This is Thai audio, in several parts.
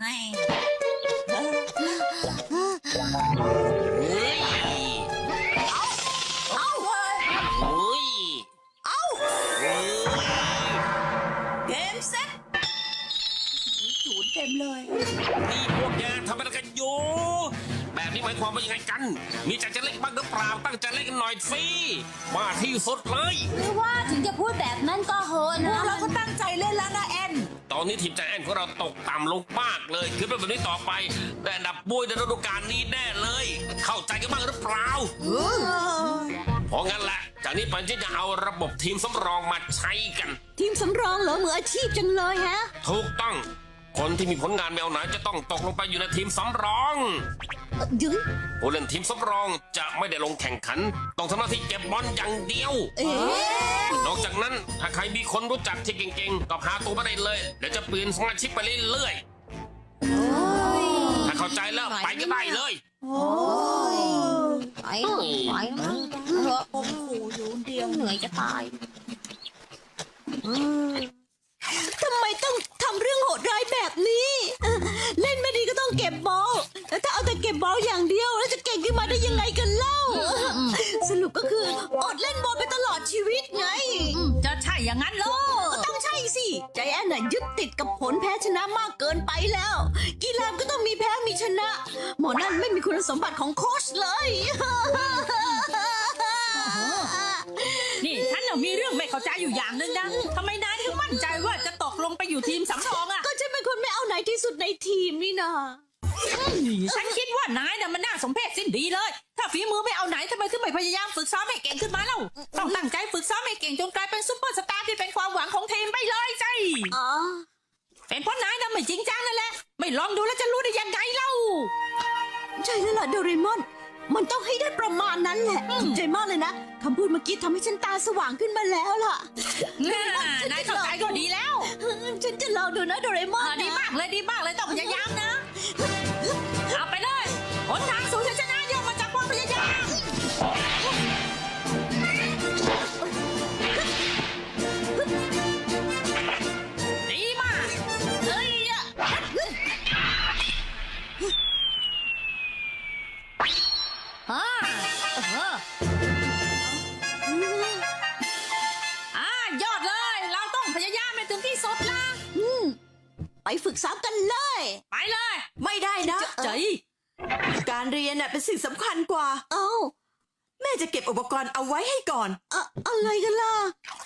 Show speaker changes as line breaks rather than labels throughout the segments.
เกมเซ็ตจูนเต็มเลย
นี่พวกแกทำอะไรกันอยู่แบบนี้หมายความว่ายังไงกันมีใจจะเล่นบ้างหรือเปล่าตั้งใจเล่นกันหน่อยสิมาที่สุดเลย
ไม่ว่าถึงจะพูดแบบนั้นก็โหนะ
เราก็ตั้งใจเล่นแล้วนะแอน
ตอนนี้ทีมใจแอนของเราตกต่ำลงมากเลยคือเป็นแบบนี้ต่อไปได้อันดับบุ้ยในฤดูกาลนี้แน่เลยเข้าใจกันบ้างหรือเปล่าเพราะงั้นแหละจากนี้ไปที่จะเอาระบบทีมสำรองมาใช้กัน
ทีมสำรองเหรอมืออาชีพจังเลยฮะ
ถูกต้องคนที่มีผลงานแมวไหนจะต้องตกลงไปอยู่ในทีมสำรอง
ยึง
ผู้เล่นทีมสำรองจะไม่ได้ลงแข่งขันต้องทำหน้าที่เก็บบอลอย่างเดียวนอกจากนั้นถ้าใครมีคนรู้จักที่เก่งๆก็พาตัวมาได้เลยเดี๋ยวจะเปลี่ยนสมาชิกไปเรื่อยๆถ้าเข้าใจแล้วไปก็ได้เลย
ไปผมขู่อยู่เดียวเหนื่อยจะตายทำไมต้องทำเรื่องโหดร้ายแบบนี้เล่นไม่ดีก็ต้องเก็บบอลแล้วถ้าเอาแต่เก็บบอลอย่างเดียวแล้วจะเก่งขึ้นมาได้ยังไงกันเล่าสรุปก็คืออดเล่นบอลไปตลอดชีวิตไง
จะใช่อย่างนั้นเหรอ
ก็ต้องใช่สิใจแอนน่ะยึดติดกับผลแพ้ชนะมากเกินไปแล้วกีฬาก็ต้องมีแพ้มีชนะหมอนั่นไม่มีคุณสมบัติของโค้ชเลย
นี่ฉันน่ะมีเรื่องไม่เข้าใจอยู่อย่างนึงนะทำไมนายถึงมั่นใจว่าจะตกลงไปอยู่ทีมสำรองอ่ะ
ก็ฉันเป็นคนไม่เอาไหนที่สุดในทีมนี่นะ
ฉันคิดว่านายน่ะมันน่าสมเพชสิ้นดีเลยถ้าฝีมือไม่เอาไหนทำไมถึงไม่พยายามฝึกซ้อมให้เก่งขึ้นมาเล่าต้องตั้งใจฝึกซ้อมให้เก่งจนกลายเป็นซุปเปอร์สตาร์ที่เป็นความหวังของทีมไปเลยสิเป็นเพราะนายน่ะไม่จริงจังนั่นแหละไม่ลองดูแล้วจะรู้ได้ยังไงเล่า
ใช่แล้วล่ะโดเรมอนมันต้องให้ได้ประมาณนั้นแหละใจมากเลยนะคำพูดเมื่อกี้ทำให้ฉันตาสว่างขึ้นมาแล้วล่ะ
นายเข้าใจก็ดีแล้ว
ฉันจะลองดูนะโดเรมอน
ดีมากเลยต้องพยายามนะเอาไปเลยหนทางสู่ชัยชนะย่อมมาจากความพยายามดีมากเฮ้ยยอดเลยเราต้องพยายามให้ถึงที่สุดละ
ไปฝึกซ้อมกันเลย
ไปเลย
ไม่ได้นะ
ใจ
การเรียนเป็นสิ่งสำคัญกว่าแม่จะเก็บอุปกรณ์เอาไว้ให้ก่อน
อะไรกันล่ะ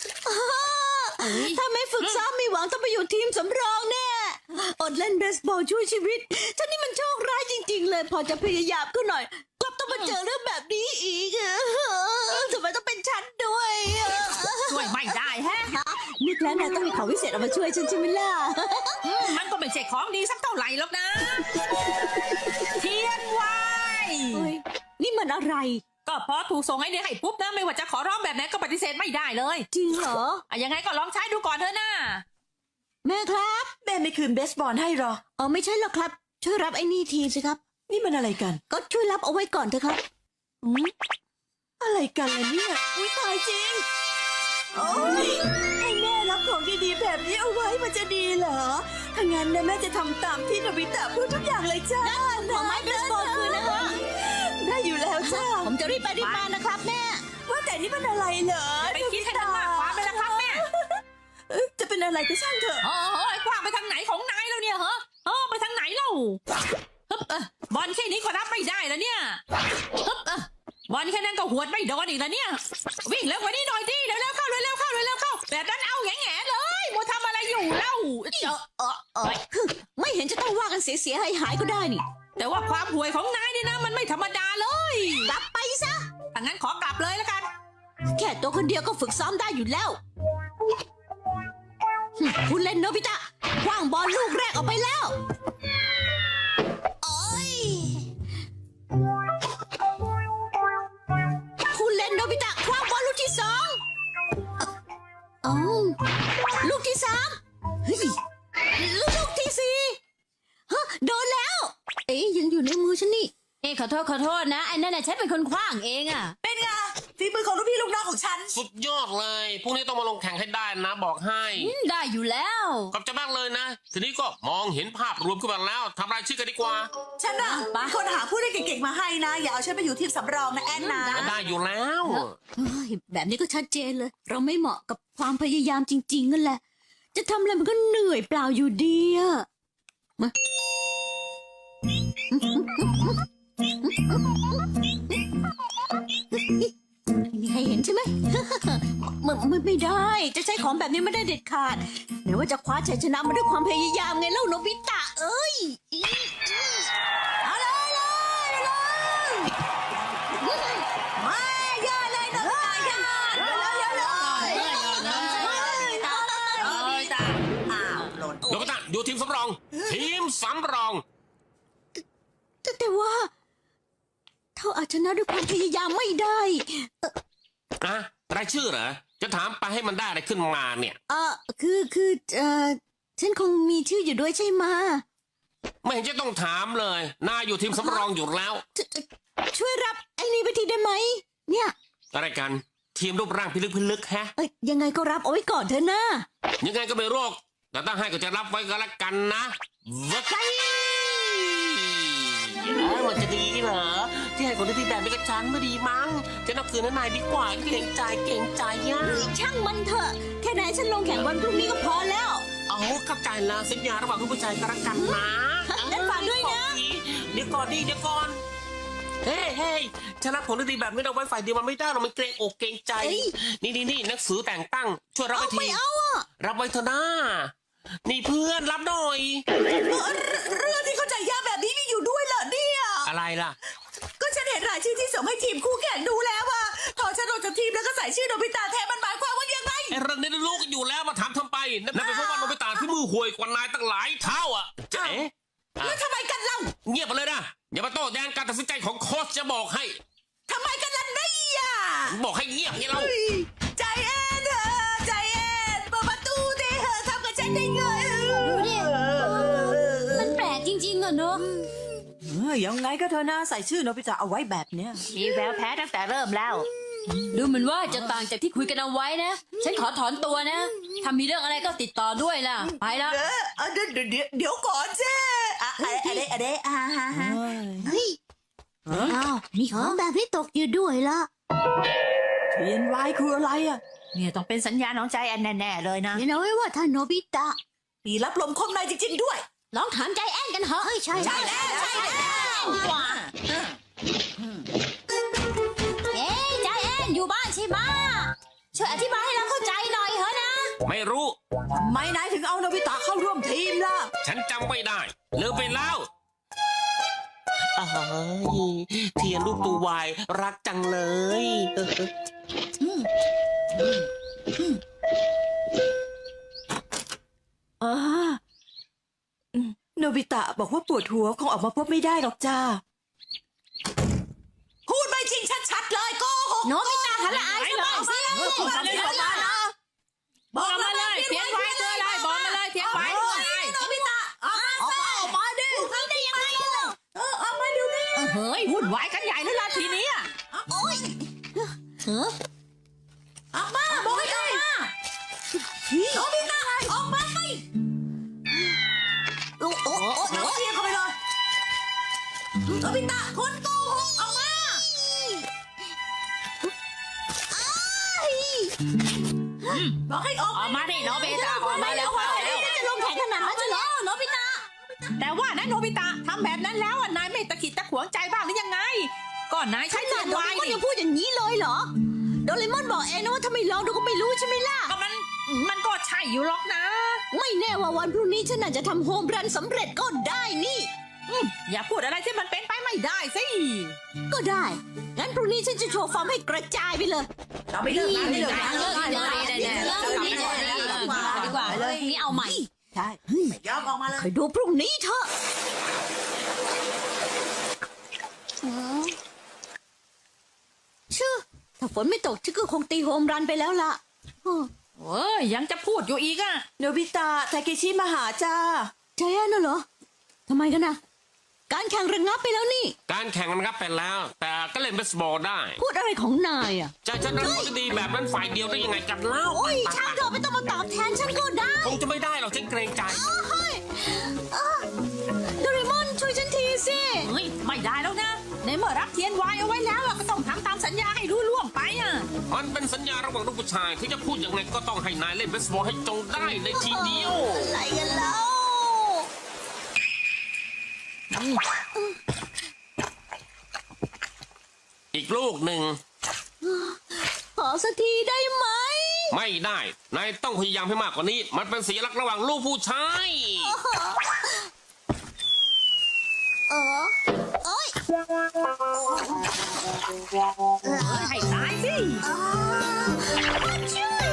ถ้าไม่ฝึกซ้อมมีหวังต้องไปอยู่ทีมสำรองแน่อดเล่นเบสบอลช่วยชีวิตท่านี่มันโชคร้ายจริงๆเลยพอจะพยายามก็หน่อยกลับต้องมาเจอเรื่องแบบนี้อีกทำไมต้องเป็นฉันด้วย
ช่วยไม่ได้แฮะ
นึกแล้วนะต้องมีของวิเศษเอามาช่วยฉันใช่ไหมล่ะ
มันก็ไม่ใช่ของดีสักเท่าไหร่หรอกนะเทียนไว้
นี่มันอะไร
ก็พอถูกส่งให้เนี่ยให้ปุ๊บนะไม่ว่าจะขอร้องแบบไหนก็ปฏิเสธไม่ได้เลย
จริงเหรอ
ยังไงก็ลองใช้ดูก่อนเถอะนะ
แม่ครับ
แม่ไม่คืนเบสบอลให้หรอ
ไม่ใช่หรอกครับช่วยรับไอ้นี่ทีสิครับ
นี่มันอะไรกัน
ก็ช่วยรับเอาไว้ก่อนเถอะครับ
อะไรกันล่ะเนี่ยตายจริงให้แม่รับของดีๆแบบนี้เอาไว้มันจะดีเหรอถ้างั้นนะแม่จะทำตามที่โนบิตะพูดทุกอย่างเลยจ้า
ของไม้เบสบอลคืนนะคะ
ได้อยู่แล้วจ้า
ผมจะรีบไปรีบมานะครับแม่
ว่าแต่นี่มันอะไรเหรอ
ไปคิดให้มันมากความไปแล้วครับแม่
จะเป็นอะไรก็ช่างเถอะ
กว้างไปทางไหนของนายแล้วเนี่ยไปทางไหนเล่าบอลแค่นี้ก็รับไม่ได้แล้วเนี่ยบอลแค่นั้นก็หวดไม่โดนอีกแล้วเนี่ยวิ่งเร็วกว่านี้หน่อยดิเร็วๆเข้าแบบนั้นเอาแง่ๆเลยมัวทำอะไรอยู่เล่า
ไม่เห็นจะต้องว่ากันเสียหายก็ได้นี่
แต่ว่าความห่วยของนายนี่นะมันไม่ธรรมดาเลย
กลับไปซะ
ถ้างั้นขอกลับเลยแล้วกัน
แค่ตัวคนเดียวก็ฝึกซ้อมได้อยู่แล้วคุณเล่นโนบิตะคว้างบอลลูกแรกออกไปแล้วคุณเล่นโนบิตะคว้างบอลลูกที่สองลูกที่สามลูกที่สี่โดนแล้วยังอยู่ในมือฉันนี่
ขอโทษนะไอ้นั่นน่ะฉันเป็นคนขว้างเองอ่ะ
เป็นไงฝีมือของลูกพี่ลูกน้องของฉัน
สุดยอดเลยพรุ่งนี้ต้องมาลงแข่งให้ได้นะบอกให้
ได้อยู่แล้ว
ขอบใจมากเลยนะ ทีนี้ก็มองเห็นภาพรวมขึ้นมาแล้วทำรายชื่อกันดีกว่า
ฉันน่ะ
ไป
คนหาผู้เล่นเก่งๆมาให้นะ อย่าเอาฉันไปอยู่ทีมสำรองนะแอนนะ
ได้อยู่แล้ว
เฮ้ยแบบนี้ก็ชัดเจนเลย เราไม่เหมาะกับความพยายามจริงๆนั่นแหละ จะทำอะไรมันก็เหนื่อยเปล่าอยู่ดีอะมามีใครเห็นใช่ไหม มันไม่ได้ จะใช้ของแบบนี้ไม่ได้เด็ดขาดไหนว่าจะคว้าชัยชนะมาด้วยความพยายามไงเล่าโนบิตะเอ้ยเอาเลย
ไม่อย่าเลยนะอย่าอ้าวหล่น
โนบิตะอยู่ทีมสำรอง ทีมสำรอง
แต่ว่าเท่าอาจชนะด้วยความพยายามไม่ได้
อะรายชื่อเหรอ จะถามไปให้มันได้อะไรขึ้นมาเนี่ย
ฉันคงมีชื่ออยู่ด้วยใช่ไหมะ
ไม่เห็นจะต้องถามเลย นายอยู่ทีมสำรองอยู่แล้ว
ช่วยรับไอ้นี่ไปทีได้ไหม เนี่ย
อะไรกัน ทีมรูปร่างพิลึกแฮะ
ยังไงก็รับเอาไว้ก่อนเถอะนะ
ยังไงก็ไม่โรค แต่ถ้าให้ก็จะรับไว้ก็แล้วกันนะเว้ยมันจะดีเหรอ ที่ให้คนที่แบบนี้กับฉันไม่ดีมั้งจะนับคืนนายดีกว่าเก่งใจย่ะ
ช่างมันเถอะ แค่ไหนฉันลงแข่งวันพรุ่งนี้ก็พอแล้ว
เอาเข้าใจแล้วสัญญาระหว่างผู้ชายกันละกันนะ
งั้นฝากด้วยนะ
เดี๋ยวก่อน เฮ้ยฉันรับผลดีแบบนี้เราไว้ฝ่ายเดียวมันไม่ได้เราไม่เกรงอกเกรงใจ นี่หนังสือแต่งตั้ง ช่วยรับไว้ที
ไม่เอาอ่ะ
รับไว้เถอะนะนี่เพื่อนรับหน่อย
เรื่องที่เข้าใจยากแบบนี้มีอยู่ด้วยเหรอเนี่ย
อะไรล่ะ
ก็ฉันเห็นรายชื่อที่ส่งให้ทีมคู่แข่งดูแล้วว่าพอฉันลงจากทีมแล้วก็ใส่ชื่อโนบิตะแทนมันหมายความว่ายังไง
ไอ้เรื่องนี้รู้กันอยู่แล้วมาถามทำไปนั่นเป็นเพราะว่าโนบิตะที่มือห่วยกว่านายตั้งหลายเท่าอ่ะเจ๊ะ
แล้วทำไมกันเล่า
เงียบไปเลยนะอย่ามาโต้แย้งการตัดสินใจของโค้ชจะบอกให้
ทำไมกันล่ะเนี่ย
บอกให้เงียบไงเรา
เฮ้ยใจแอนเถอะใจแอนเปิดประตูดิเถอะทำกับฉันได้ไง
ดูดิ มันแปลกจริงๆอะเนอะ
ยังไงก็เธอนะใส่ชื่อโนบิตะเอาไว้แบบเนี้ย
มีแววแพ้ตั้งแต่เริ่มแล้ว
ดูเหมือนว่าจะต่างจากที่คุยกันเอาไว้นะ ฉันขอถอนตัวนะ ถ้ามีเรื่องอะไรก็ติดต่อด้วยล่ะ ไปละ
เดี๋ยวก่อนเจ้อะไรฮะ
เฮ้ยอ้าวมีของแบบนี้ตกอยู่ด้วยละ
เทียนวายคืออะไรอ่ะ
เนี่ยต้องเป็นสัญญาณของใจแอนแน่ๆเลยนะ
เห็นเอาไว้ว่าถ้าโนบิตะ
ปีรับลมคมในจริงๆด้วย
ลองถามใจแอนกันเถอะใช่
ใช่แล้ว
ว่าเอ๊ะใจแอนอยู่บ้านใช่ไหมะช่วยอธิบายให้เราเข้าใจหน่อยเถอะนะ
ไม่รู้
ทำไมนายถึงเอาโนบิตะเข้าร่วมทีมล่ะ
ฉันจำไม่ได้ลืมไปแล้วเทียนรูปตัววายรักจังเลย
โนบิตะบอกว่าปวดหัวคงออกมาพบไม่ได้หรอกจ้า พูดไม่จริงชัดๆเลยโกหก
โนบิตะหันละอายหน่อยสิ
บอกมาเลย
บอกมาเลยเทียนไว้เจออะไรบอกมาเลยเทียนไว้เจออะไร
โนบิตะออกมาดิ
ทำได้ยังไงล่ะ
ออกมาเดี๋ยวนี้
เฮ้ยวุ่นวายกันใหญ่แล้วล่ะทีนี้อะ
เฮ้อ
ออกมาบอกให้ออกมาโนบิตะออกมาสิ
โอ้โอ้โอ้
โนเทียนเข้าไปเลยโนบิตะคนโกหกออกมาบอกให้ออก
ออกมาดิโนบิตะออกมาแล้วเข้าแล้ว
จะลงแข่งขนาดนั้นจะเหรอโนบิตะ
แต่ว่านะโนบิตะทำแบบนั้นแล้วอะนายไม่ตะขิดตะขวงใจบ้างหรือยังไงก่อนนายใช้
ข
เงิ
นาด
น
โด
ไว้
เรมอน
นี่
ยังพูดอย่างนี้เลยเหรอ โดเรมอนบอกเองนะว่าถ้าไม่ลองดูก็ไม่รู้ใช่ไหมล่ะ
ก็มันก็ใช่อยู่หรอกนะ
ไม่แน่ว่าวันพรุ่งนี้ฉันอาจจะทำโฮมรันสำเร็จก็ได้นี่
อย่าพูดอะไรที่มันเป็นไปไม่ได้สิ
ก็ได้ งั้นพรุ่งนี้ฉันจะโชว์ฟอร์มให้กระจายไปเลย
เราไปเลิกงานได้เลย
เลิกดีกว่าเลยนี่เอาใหม่
ใช่ไม่ยอมออกมาเลย
คอยดูพรุ่งนี้เถอะชื่อถ้าฝนไม่ตกฉันก็คงตีโฮมรันไปแล้วล่ะ
เอ้ยยังจะพูดอยู่อีกอ่ะ
โนบิตะทาเคชิมาหาจ้า
ใจแอนน่ะเหรอ ทำไมกันนะการแข่งระงับไปแล้วนี่
การแข่งมันครับเป็นแล้ว แต่ก็เล่นเบสบอลได้
พูดอะไรของนายอ่ะ
จะฉันนั้นพูดดีแบบนั้นฝ่ายเดียวได้ยังไงกันเล่า
โอ้ยช่างเถอะไม่ต้องมาตอบแทนฉันก็ได้
คงจะไม่ได้หรอกฉันเกรงใจ
เฮ้ยโดเรมอนช่วยฉันทีสิ
เฮ้ยไม่ได้แล้วนะในเมื่อรับเทียนไว้เอาไว้แล้วอะก็ต้องทำตามสัญญาให้รู้ล่วงไปอ่ะ
มันเป็นสัญญาระหว่างลูกผู้ชายที่จะพูดยังไงก็ต้องให้นายเล่นเบสบอลให้จงได้ในทีเดียว
อะไรกันเล่า
อีกลูกหนึ่ง
ขอสักทีได้ไหม
ไม่ได้ นายต้องพยายามให้มากกว่านี้ มันเป็นสัญลักษณ์ระหว่างลูกผู้ชาย
โอ้ย
ให้ตายสิ
ช่วย